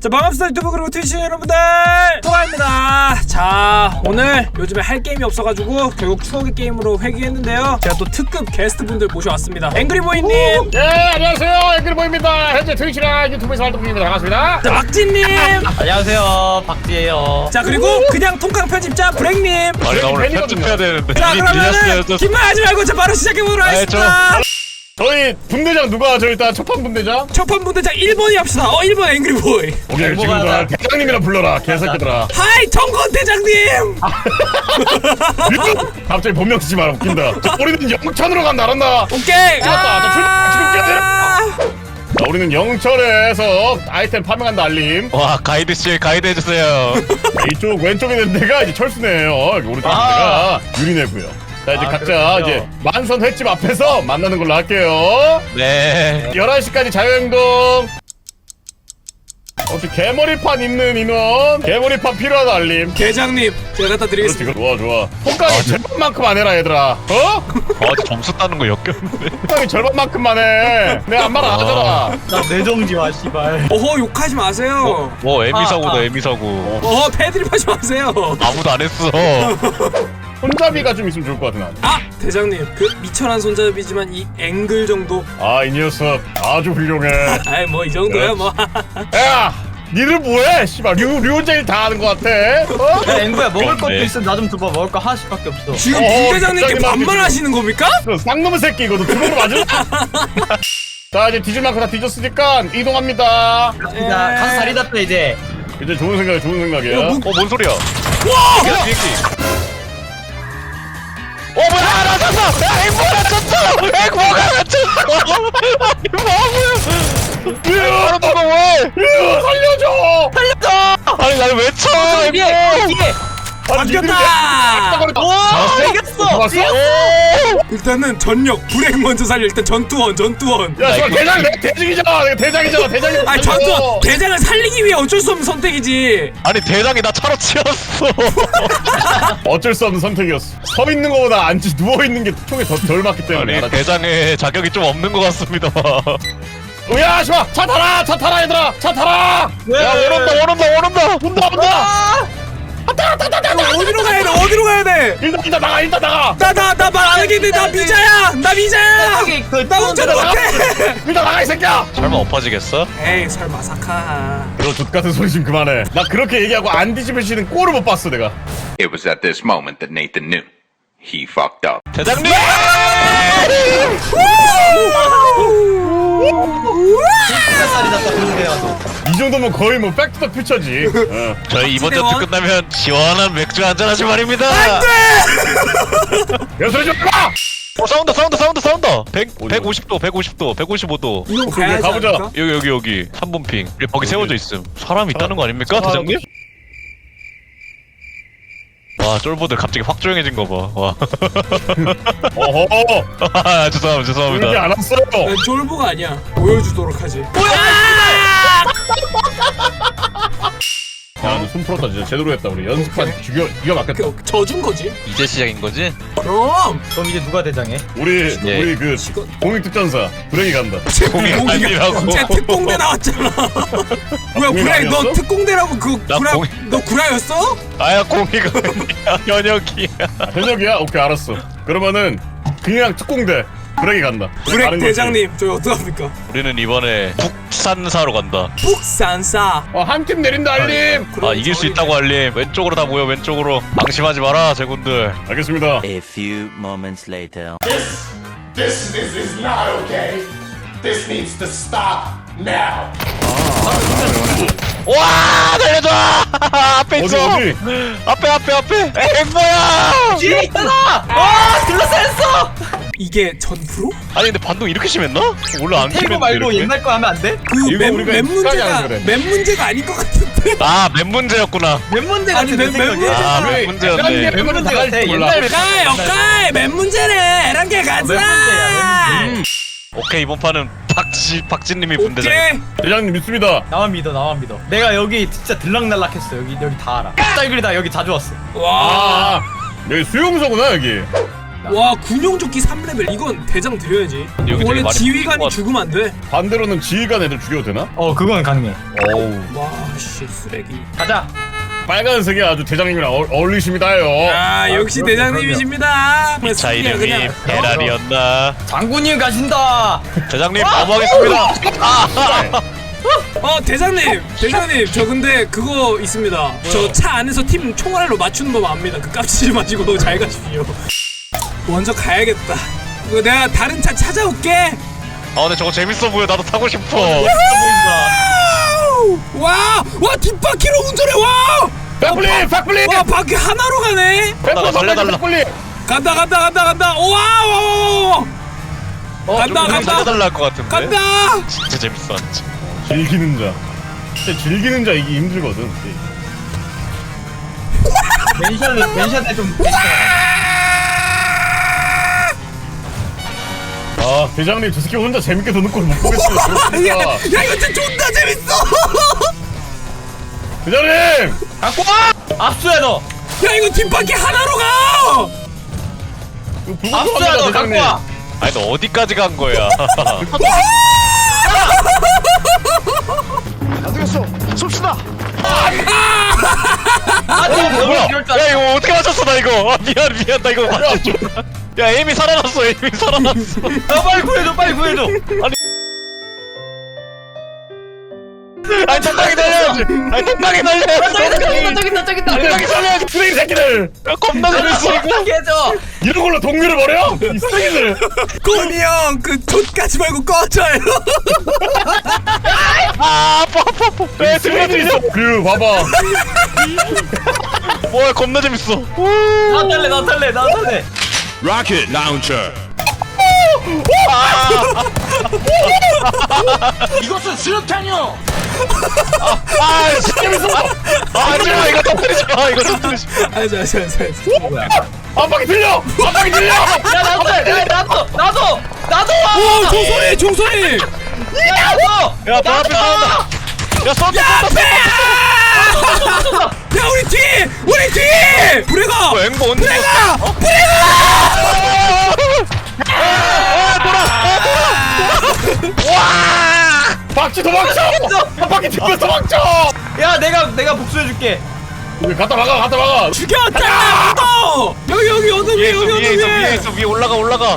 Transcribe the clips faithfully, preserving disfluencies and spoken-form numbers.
자, 반갑습니다 유튜브 그리고 트위치 여러분들, 토가입니다. 자, 오늘 요즘에 할 게임이 없어가지고 결국 추억의 게임으로 회귀했는데요. 제가 또 특급 게스트분들 모셔왔습니다. 앵그리보이님. 예, 안녕하세요, 앵그리보이입니다. 현재 트위치랑 유튜브에서 활동 중입니다. 반갑습니다. 자, 박진님. 안녕하세요, 박지예요. 자, 그리고 그냥 통깡 편집자 브랭님. 아니 나 오늘 편집해야 되는데. 자, 미리 그러면은 빌렸어요. 긴 말 하지 말고 자 바로 시작해보도록 하겠습니다. 저희 분대장 누가 저 일단 첫판 분대장? 첫판 분대장 일 번이 합시다. 어, 일 번 앵그리보이. 오케이, 지금부터 대장님이라 불러라, 개새끼들아. 하이 정건 대장님. 갑자기 본명 쓰지 마라, 웃긴다. 자, 우리는 영천으로 간다, 알았나? 오케이. 맞다, 자, 출발, 지금 뛰어야 돼. 자, 우리는 영철에서 아이템 파밍한다, 알림. 와 가이드 씨 가이드 해주세요. 자, 이쪽 왼쪽에 있는 데가 이제 철수네요. 오른쪽에 있는 아. 데가 유리네고요. 자, 이제 아, 각자 그렇군요. 이제 만선 횟집 앞에서 만나는 걸로 할게요. 네. 열한 시까지 자유행동. 혹시 개머리판 있는 인원? 개머리판 필요하다, 알림. 대장님 제가 갖다 그렇지, 드리겠습니다. 좋아, 좋아. 통깡이 절반만큼 안 해라, 얘들아. 어? 어제 점수 따는 거 역겹는데. 통깡이 절반만큼만 해. 내가 안 말 안 하잖아. 나 내정지 마, 씨발. 어허, 욕하지 마세요. 뭐 에미 아, 사고다 아. 에미 사고. 어허, 패드립하지 마세요. 아무도 안 했어. 손잡이가 좀 있으면 좋을 것 같아, 난. 아, 대장님 그 미천한 손잡이지만 이 앵글 정도. 아, 이 녀석 아주 훌륭해. 아이 뭐 이 정도야 뭐. 야! 니들 뭐해? 씨발, 류, 류제일 다 하는 것 같아. 어? 야, 앵구야, 먹을 것도 그렇네. 있으면 나 좀 줘봐. 먹을 거 하나씩밖에 없어. 지금 어허, 김 대장님께 갑자기 반말 막 하시는 겁니까? 너 쌍놈의 새끼, 이거 너 주먹으로 맞을래? 자, 이제 뒤질 만큼 다 뒤졌으니까 이동합니다. 나 가서 자리 잡자, 이제. 이제 좋은 생각이야, 좋은 생각이야. 야, 뭐- 어 뭔 소리야? 와! 야 비행기. 어 뭐야 나 쳤어! 야 앵무가 쳤어! 앵무가 쳤어! 아니 뭐야? 으아! 너가 왜? 으아, 살려줘! 살렸어! 아니 나를 왜 쳐? 뒤에! 앵무! 뒤에! 바뀌었다! 와! 이겼어! 잡았어? 일단은 전력 브레이크 먼저 살려. 일단 전투원 전투원. 야, 씨발, 대장, 내가 대장이잖아. 내가 대장이잖아. 대장이. 아니 전투원 대장을 살리기 위해 어쩔 수 없는 선택이지. 아니 대장이 나 차로 치웠어. 어쩔 수 없는 선택이었어. 서 있는 거보다 앉지 누워 있는 게 총에 더 덜 맞기 때문에. 아니 알았지? 대장의 자격이 좀 없는 것 같습니다. 야, 씨발, 차 타라, 차 타라, 얘들아, 차 타라. 야 오른다 오른다 오른다. 온다, 온다. 이거 어디로 가야 돼? 어디로 가야 돼? 일단, 일단 나가, 일단 나가. 나 나 나 말 안 하겠는데 나 미자야. 나 미자야. 저기 그 나 운전 못해. 일단 나가, 이 새끼야. 설마 엎어지겠어? 에이 설마 사카. 너 족 같은 소리 좀 그만해. 나 그렇게 얘기하고 안 뒤집으시는 꼴을 못 봤어, 내가. It was at this moment that Nathan knew. He fucked up. 대장님! 진짜 자리 잡자, 그런데 와서. 이 정도면 거의 뭐 백투더 퓨처지. 어. 저희 이번 박지대원? 전투 끝나면 시원한 맥주 한잔 하지 말입니다. 야, 소리 좀 마. 어 사운드 사운드 사운드 사운드. 백 어디요? 백오십 도 백오십 도 백오십오 도. 이거 오케이, 가야지 가보자. 않을까? 여기 여기 여기 삼 분 핑. 거기 세워져 있음. 사람 있다는 거 아닙니까, 사람- 대장님? 와 쫄보들 갑자기 확 조용해진 거 봐. 와. 어허. 아, 죄송합니다 그러지 죄송합니다. 않았어요. 난 졸보가 아니야. 보여주도록 하지. 야, 너 손 풀었다, 진짜 제대로 했다. 우리 연습한 죽여, 기가 막혔다. 그 져준 거지. 이제 시작인 거지? 그럼 그럼 이제 누가 대장해? 우리 예. 우리 그 지금 공익특전사 브레이 간다. 공이 아니라고. 쟤 특공대 나왔잖아. 뭐야 공익 구라야? 너 아니었어? 특공대라고 그 나 구라? 공익- 너 구라였어? 아야 공이가 아니야 현역이야. 아, 현역이야? 오케이, 알았어. 그러면은 그냥 특공대 브레이 간다. 브렉 다른 거지. 대장님 저희 어떡합니까? 우리는 이번에 북산사로 간다. 북산사. 어, 한 팀 내린다, 알림. 아 이길 수 있다고 알림. 왼쪽으로 다 모여 왼쪽으로. 방심하지 마라 제군들. 알겠습니다. A few moments later. This is, is not okay. This needs to stop now. 와 달려줘. 앞에 어디, 있어. 어디? 앞에 앞에 앞에. 에이 뭐야? 뒤에 있잖아! 와! 들러싸였어! 이게 전프로? 아니 근데 반동 이렇게 심했나? 원래 안 테이블 심했는데 말고 이렇게? 옛날 거 하면 안 돼? 그 이거 맨 우리가 맨 익숙하지 문제가 않아서 그래. 맨 문제가 아닌 것 같은데. 아맨 문제였구나. 맨 문제 아니, 같은 맨- 내 맨 생각에. 문제- 아맨 왜- 문제였네. 맨 문제 나갈 같아. 줄 몰라. 옛날 오카이 오카이 맨 문제네. 이렇게 맨 가자. 문제야, 맨 문제. 오케이 이번 판은 박지 박진님이 분대장. 오케이. 대장님 믿습니다. 나만 믿어, 나만 믿어. 내가 여기 진짜 들락날락했어. 여기 여기 다 알아. 딸그리다 여기 자주 왔어. 와. 아, 여기 수용소구나, 여기. 와 군용조끼 삼 레벨 이건 대장 드려야지. 여기 되게 원래 많이 지휘관이 것 같아. 죽으면 안 돼. 반대로는 지휘관 애들 죽여도 되나? 어, 그건 가능해. 어우. 와 아씨 쓰레기. 가자. 빨간색이 아주 대장님이랑 어, 어울리십니다요. 아 역시 그럼요, 대장님이십니다. 뭐 자 쓰레기야, 이름이 그냥. 베랄이었나? 장군님 가신다. 대장님 넘어가겠습니다. 어 대장님 대장님 저 근데 그거 있습니다. 저 차 안에서 팀 총알로 맞추는 법 압니다. 그 깝치지 마시고 잘 가십시오. 먼저 가야겠다. 이거 내가 다른 차 찾아올게. 아 근데 저거 재밌어 보여. 나도 타고 싶어. 와! 와 뒷바퀴로 운전해 와! 백플립 백플립. 와 바퀴 하나로 가네. 나가 살려달라. 백플립. 간다 간다 간다 간다. 오와! 간다 간다 살려달라 할 것 같은데. 간다. 진짜 재밌어. 진짜. 즐기는 자. 진짜 즐기는 자 이게 힘들거든. 멘션을 멘션에 좀. 아 대장님 저 새끼 혼자 재밌게 도는 걸 못 보겠어요. 야, 야 진짜. 이거 진짜 존나 재밌어. 대장님. 갖고 와. 압수해 너. 야 이거 뒷바퀴 하나로 가. 이거 불법 압수해 너. 합니다, 갖고 대장님. 와. 아니 너 어디까지 간 거야? 아 지금 너무 뭐야? 이럴 줄 야 알았어. 이거 어떻게 맞췄어 나 이거? 아, 미안 미안 나 이거 맞췄어. 야 에임이 살아났어. 에임이 살아났어. 야 빨리 구해줘 빨리 구해줘. 아니 적당히 날려야지. 아니 적당히 날려야지. 저기 있다 적당히. 저기 있다 저기 있다. 적당히 살려야지. 쓰레기 새끼들. 야, 겁나 재밌어 이거. 해줘. 이런 걸로 동료를 버려? 이 쓰레기들. 꼬미 형그 좆까지 말고 꺼져요. 아 아파 아파 아파. 야 쓰레기들 있어. 그 봐봐. 뭐야 겁나 재밌어. 나 탈래 나 탈래 나 탈래. 이것은 수류탄이요. 아 진짜 재밌어. 아 진짜 이거 터뜨리지 마. 이거 터뜨리지 마. 알았어 알았어 알았어. 한 바퀴 들려. 한 바퀴 들려. 야 나도 야 나도 나도 나도 와. 오 종소리 종소리. 야 나도. 야, 너 앞에 싸운다. 야, 쏜다, 쏜다, 쏜다. 야 우리 뒤 우리 뒤. 브레가 뭐, 앵보 언제 브레가 어? 브레가. 박쥐 도망쳐. 한 바퀴 들려 도망쳐. 야 내가 내가 복수해줄게. 여기 갖다 막아. 갖다 막아. 죽였다. 또 여기 여기 언덕 위에 위에 있어, 여기 위에 언덕 있어, 위에 위에. 있어, 위에 올라가, 올라가.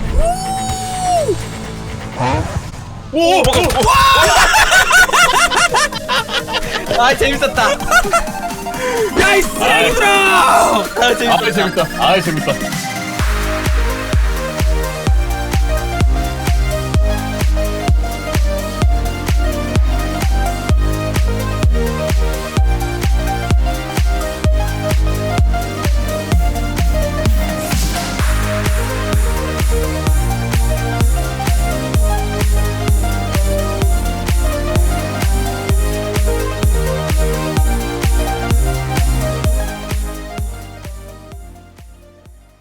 오. 아 재밌었다. 야이 쓰레기들아. 아 재밌었다. 아 재밌다. 아 재밌다.